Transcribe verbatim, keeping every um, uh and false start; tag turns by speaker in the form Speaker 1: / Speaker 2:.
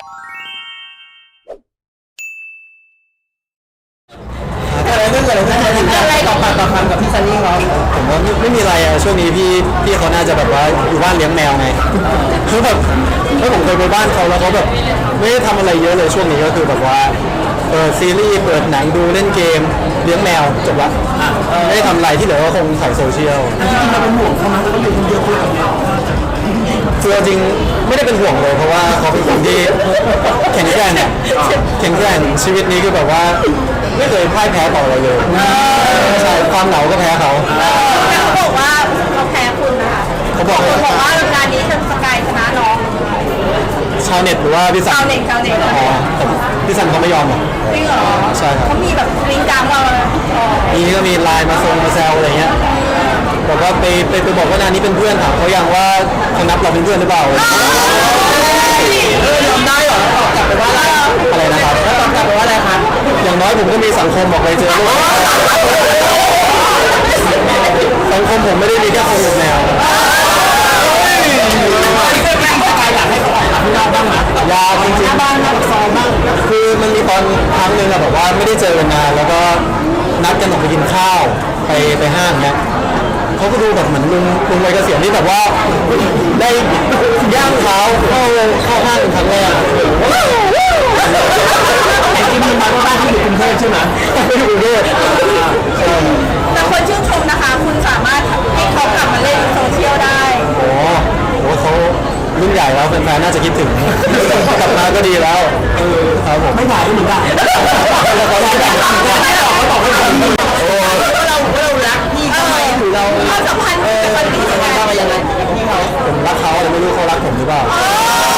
Speaker 1: อะไรเรื่องอะไรเรื่องอะไรต่อปากต่อคำกับพี่ซันนี่เขาผมว่าไม่มีอะไรอ่ะช่วงนี้พี่พี่เขาน่าจะแบบว่าอยู่บ้านเลี้ยงแมวไงคือแบบถ้าผมเคยไปบ้านเขาแล้วเขาแบบไม่ได้ทำอะไรเยอะเลยช่วงนี้ก็คือแบบว่าเปิดซีรีส์เปิดหนังดูเล่นเกมเลี้ยงแมวจบละไม่ได้ทำอะไรที่เหลือก็คงถ่ายโซเชียลจริงๆเราเป็นห่วงเขาไหมเขาอยู่คนเดียวคนเดียวคือจริงไม่ได้เป็นห่วงเลยเพราะว่าเขาเป็นคนที่แข็งแกร่งเนี่ยแข็งแกร่งชีวิตนี้คือแบบว่าไม่เคยพ่ายแพ้ต่ออะไรเลยใช่ความเหงาก็แพ้เขา
Speaker 2: แต่เขาบอกว่าเขาแพ้คุณนะคะ
Speaker 1: เขาบอก
Speaker 2: เขาบอกว่างานนี้จะสกายชนะน้อง
Speaker 1: ชาวเน็ตหรือว่าพี่สัน
Speaker 2: ชาวเน็ตชาวเน็ต
Speaker 1: อ๋อพี่สันเขาไม่ยอมหรอก
Speaker 2: จริงเหรอ
Speaker 1: ใช่ครับ
Speaker 2: เขามีแบบลิงก์กลางเรา
Speaker 1: มีก็มีไลน์มาส่งมาแซวอะไรเงี้ยบอกว่าไปไปไปบอกว่านานนี้เป็นเพื่อนถามเขายังว่าเขานับเราเป็นเพื่อนหรือเปล่าเออยอมได้เหรอตอบกลับไปว่าอะไรอะไรนะครับแล้วตอบกลับไปว่าอะไรครับอย่างน้อยผมก็มีสังคมบอกไปเจอลูกสังคมผมไม่ได้มีแค่คนหลุดแนวอยากจริงๆบ้านนักซ้อมบ้างคือมันมีตอนครั้งหนึ่งอะแบบว่าไม่ได้เจอกันนานแล้วก็นัดกันออกไปกินข้าวไปไปห้างเนี้ยเขาก็ดูแบบเหมือนลุงลุงวัยเกษียณที่แบบว่าได้ย่างเท้าเข้าเข้าห้างครั้งแรกไอ้ที่มีมาบ้านที่อยู่กรุงเทพใช่ไหมไม่อยู่กรุงเทพ
Speaker 2: แต่คนชื่นชมนะคะคุณสามารถให้เขากลับมาเล่นโซเชียลได้
Speaker 1: โอ้โหเขารุ่นใหญ่แล้วแฟนๆน่าจะคิดถึงกลับมาก็ดีแล้วครับผมไม่ถ่ายก็เหมือนกันเขาบอกเขาบอกว่าโอ้เราเรารักพี่เขาไหมหรือเรา
Speaker 2: ความสัมพันธ์กับคนนี้ยังไง
Speaker 1: ยังไงพี่เขาผมรักเขาแต่ไม่รู้เขารักผมหรือเปล่า